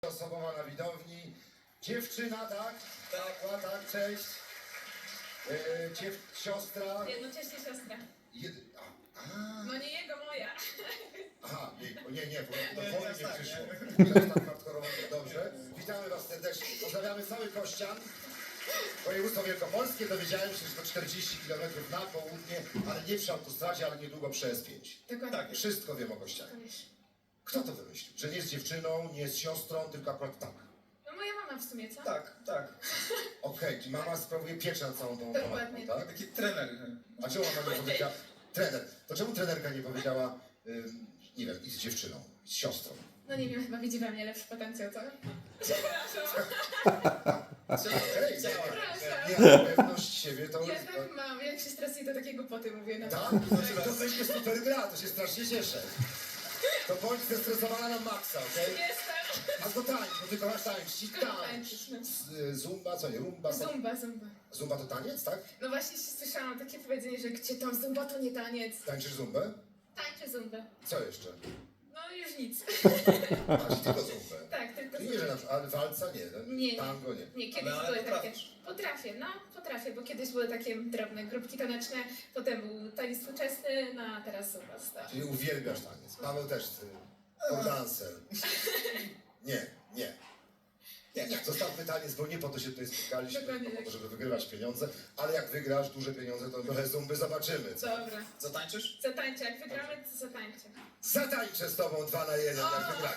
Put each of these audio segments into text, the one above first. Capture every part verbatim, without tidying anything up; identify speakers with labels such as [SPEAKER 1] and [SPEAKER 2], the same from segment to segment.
[SPEAKER 1] Osobowa na widowni. Dziewczyna, tak? Tak, tak, cześć. E, dziew... Siostra.
[SPEAKER 2] Jednocześnie siostra.
[SPEAKER 1] Jedy... a, a.
[SPEAKER 2] No nie jego, moja.
[SPEAKER 1] Aha, nie, nie, nie, bo do
[SPEAKER 3] Nie,
[SPEAKER 1] woli
[SPEAKER 3] tak,
[SPEAKER 1] nie
[SPEAKER 3] tak,
[SPEAKER 1] przyszło.
[SPEAKER 3] nie.
[SPEAKER 1] To jest tak hardkorowo, dobrze. Witamy was serdecznie. Pozdrawiamy cały Kościan. Województwo wielkopolskie. Dowiedziałem się, że to czterdzieści kilometrów na południe, ale nie przy autostradzie, ale niedługo przy S pięć.
[SPEAKER 2] Dokładnie.
[SPEAKER 3] Tak.
[SPEAKER 1] Wszystko wiem o Kościanie. Kto to wymyślił? Że nie jest dziewczyną, nie jest siostrą, tylko akurat tak.
[SPEAKER 2] No moja mama w sumie, co?
[SPEAKER 3] Tak, tak.
[SPEAKER 1] Okej, czyli mama sprawuje pieczę nad całą tą
[SPEAKER 2] Dokładnie.
[SPEAKER 1] tematyką, tak?
[SPEAKER 3] Taki trener.
[SPEAKER 1] A czemu mama nie powiedziała? Trener. To czemu trenerka nie powiedziała, ym, nie wiem, i z dziewczyną, z siostrą?
[SPEAKER 2] No nie wiem, chyba widzi we mnie lepszy potencjał, co? Przepraszam.
[SPEAKER 1] Okej, nie,
[SPEAKER 2] Przepraszam.
[SPEAKER 1] nie, nie, pewność siebie to...
[SPEAKER 2] Ja tak mam, jak się stresuję, to takiego poty mówię. No.
[SPEAKER 1] Tak? To będzie super gra, to się strasznie cieszę. To bądź zestresowana na maksa, okej?
[SPEAKER 2] Jestem.
[SPEAKER 1] A to tańcz, bo ty kochasz tańczyć. Tańcz.
[SPEAKER 2] Tańczyć, no.
[SPEAKER 1] Z- y, Zumba, co nie, rumba? co?
[SPEAKER 2] Zumba, zumba.
[SPEAKER 1] Zumba to taniec, tak?
[SPEAKER 2] No właśnie słyszałam takie powiedzenie, że gdzie tam zumba, to nie taniec.
[SPEAKER 1] Tańczysz zumbę?
[SPEAKER 2] Tańczę zumbę.
[SPEAKER 1] Co jeszcze?
[SPEAKER 2] No już nic.
[SPEAKER 1] A, czyli tylko zumbę.
[SPEAKER 2] Tak, tylko
[SPEAKER 1] Czyli nie, że na przykład, ale walca nie, no,
[SPEAKER 2] Nie, nie.
[SPEAKER 1] tango nie.
[SPEAKER 2] Nie, kiedyś
[SPEAKER 3] Ale- ale
[SPEAKER 2] były takie...
[SPEAKER 3] potrafisz.
[SPEAKER 2] Potrafię, no potrafię, bo kiedyś były takie drobne grupki taneczne, potem był taniec współczesny, no a teraz zumba stała.
[SPEAKER 1] Czyli uwielbiasz taniec. Paweł też, ty. Dancer. Nie, nie. Nie, nie. Zostawmy taniec, bo nie po to się tutaj spotkaliśmy,
[SPEAKER 2] Dokładnie
[SPEAKER 1] tylko po to,
[SPEAKER 2] tak.
[SPEAKER 1] żeby wygrywać pieniądze, ale jak wygrasz duże pieniądze, to trochę zumby zobaczymy. Co?
[SPEAKER 2] Dobra,
[SPEAKER 3] Zatańczysz?
[SPEAKER 2] zatańczę, jak wygramy, to zatańczę.
[SPEAKER 1] Zatańczę z tobą dwa na jeden, jak wygrać.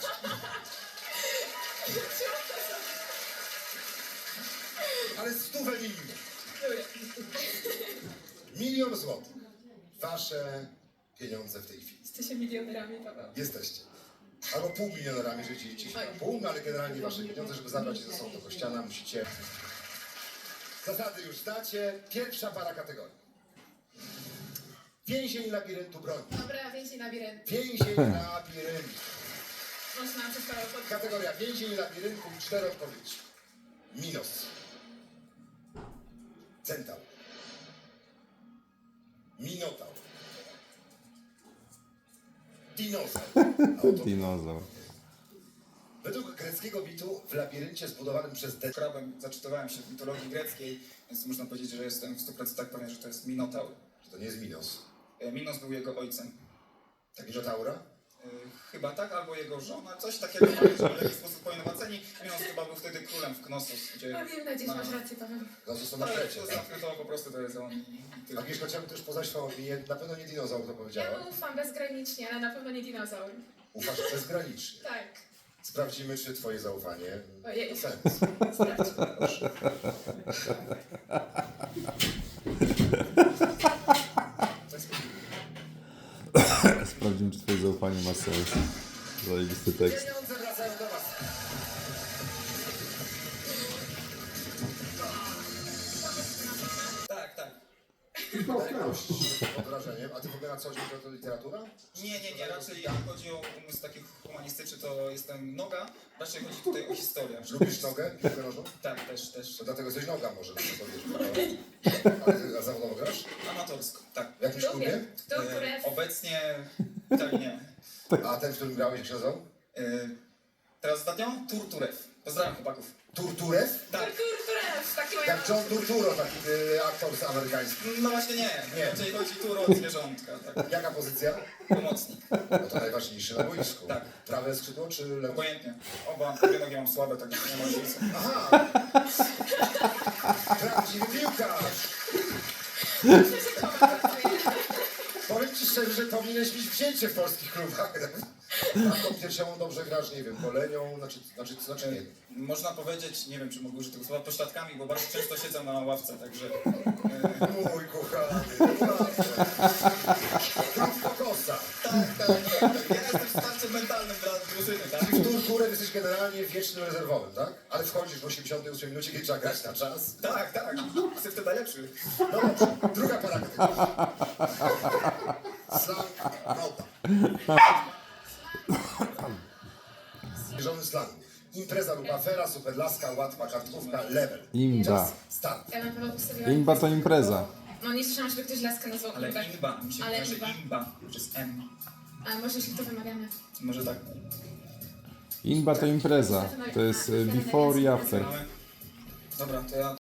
[SPEAKER 1] Ale stówę milion. Milion złotych. Wasze pieniądze w tej chwili.
[SPEAKER 2] Jesteście milionerami, Paweł.
[SPEAKER 1] Jesteście. Albo pół milionerami, że dzielicie się na pół, no ale generalnie wasze pieniądze, żeby zabrać je ze sobą do Kościana, musicie... Zasady już znacie. Pierwsza para kategorii. Więzień labiryntu broni.
[SPEAKER 2] Dobra, więzień labirynt.
[SPEAKER 1] Więzień labiryntu.
[SPEAKER 2] Można przez Paweł pod...
[SPEAKER 1] Kategoria więzień labiryntu i cztery odpowiedzi. Minos. Centaur. Minotaur. Dinozaur. Auto.
[SPEAKER 4] Dinozaur.
[SPEAKER 1] Według greckiego mitu w labiryncie zbudowanym przez De...
[SPEAKER 3] Krabem zaczytywałem się w mitologii greckiej, więc można powiedzieć, że jestem w stu procentach pewien, że to jest Minotaur.
[SPEAKER 1] Że to nie jest Minos.
[SPEAKER 3] E, Minos był jego ojcem.
[SPEAKER 1] Tak, Minotaura?
[SPEAKER 3] E, Chyba tak, albo jego żona, coś takiego, ale że w jakiś sposób poinowaceni. Minos chyba był wtedy królem w Knossos, gdzie...
[SPEAKER 2] No wiem, na dziś masz rację, Paweł.
[SPEAKER 1] No to są na
[SPEAKER 3] Ale
[SPEAKER 1] Krecie.
[SPEAKER 3] to zamknę to po prostu to jest on. i tyle.
[SPEAKER 1] Agnieszka, chciałbym też poznać twoją opinię. Na pewno nie dinozaur to
[SPEAKER 2] Ja
[SPEAKER 1] powiedziała.
[SPEAKER 2] mu ufam bezgranicznie, ale na pewno nie dinozaur.
[SPEAKER 1] Ufasz bezgranicznie.
[SPEAKER 2] Tak.
[SPEAKER 1] Sprawdzimy, czy twoje zaufanie
[SPEAKER 2] Ojej.
[SPEAKER 1] ma sens.
[SPEAKER 2] Sprawdźmy.
[SPEAKER 1] Proszę.
[SPEAKER 4] Sprawdzimy, czy twoje zaufanie ma sens. Zajebisty tekst.
[SPEAKER 1] Pieniądze wracają do was.
[SPEAKER 3] Tak, tak.
[SPEAKER 1] Pod wrażeniem. A ty w ogóle na co dzień to literatura?
[SPEAKER 3] Nie, nie, nie, raczej jak chodzi o umysł taki humanistyczny, to jestem noga, raczej chodzi tutaj o historię.
[SPEAKER 1] Lubisz nogę? Piłkę nożną?
[SPEAKER 3] Tak, też, też.
[SPEAKER 1] To dlatego jesteś noga może, no to powiesz. Ale ty zawodowo grasz?
[SPEAKER 3] Amatorsko, tak.
[SPEAKER 1] W jakimś klubie?
[SPEAKER 2] Lubię. Kto,
[SPEAKER 3] E,
[SPEAKER 2] które...
[SPEAKER 3] obecnie tak nie.
[SPEAKER 1] A ten, w którym grałeś, jak się nazywał?
[SPEAKER 3] E, teraz ostatnio Turturew. Pozdrawiam chłopaków.
[SPEAKER 1] Turturew?
[SPEAKER 3] Tak.
[SPEAKER 2] Turturew, taki moja
[SPEAKER 1] Jak John Turturro, taki y, aktor z amerykański.
[SPEAKER 3] No właśnie nie.
[SPEAKER 1] Nie.
[SPEAKER 3] Raczej chodzi tu o zwierzątka, tak.
[SPEAKER 1] Jaka pozycja?
[SPEAKER 3] Pomocnik.
[SPEAKER 1] No to najważniejszy na boisku.
[SPEAKER 3] Tak.
[SPEAKER 1] Prawe skrzydło czy lewe?
[SPEAKER 3] Obojętnie. Oba, obie nogi mam słabe, tak nie ma różnicy.
[SPEAKER 1] Aha! Prawdziwy piłkarz! Powiem ci szczerze, że powinieneś mieć wzięcie w polskich klubach. A tą piersiową dobrze grasz, nie wiem, golenią, znaczy, znaczy, znaczy nie.
[SPEAKER 3] Można powiedzieć, nie wiem czy mogę użyć tego słowa, pośladkami, bo bardzo często siedzę na ławce, także... E,
[SPEAKER 1] Mój kochany, naprawdę. Kokosa.
[SPEAKER 3] tak, tak, tak, tak. Ja jestem wsparciem mentalnym dla drużyny, tak?
[SPEAKER 1] Czyli w Turturę jesteś generalnie wiecznym rezerwowym, tak? Ale wchodzisz w osiemdziesiątej ósmej minucie, kiedy trzeba grać na czas.
[SPEAKER 3] Tak, tak. Jestem wtedy najlepszy.
[SPEAKER 1] No dobrze, druga para kategorii. Slang Rota. Zwierzony slang. Impreza lub afera, superlaska, łatwa kartkówka, level.
[SPEAKER 4] Imba.
[SPEAKER 1] Czas, start.
[SPEAKER 2] Ja na pewno postawiłam...
[SPEAKER 4] Imba to impreza.
[SPEAKER 2] No nie słyszałam, żeby ktoś laskę nazwał
[SPEAKER 3] Ale
[SPEAKER 2] Imbę.
[SPEAKER 3] imba, mi się
[SPEAKER 2] Ale
[SPEAKER 3] kojarzy
[SPEAKER 2] imba.
[SPEAKER 3] imba, przez M.
[SPEAKER 2] A może jeśli to wymawiamy.
[SPEAKER 3] Może tak.
[SPEAKER 4] Inba to impreza. To jest e, before i after.
[SPEAKER 3] Dobra, to ja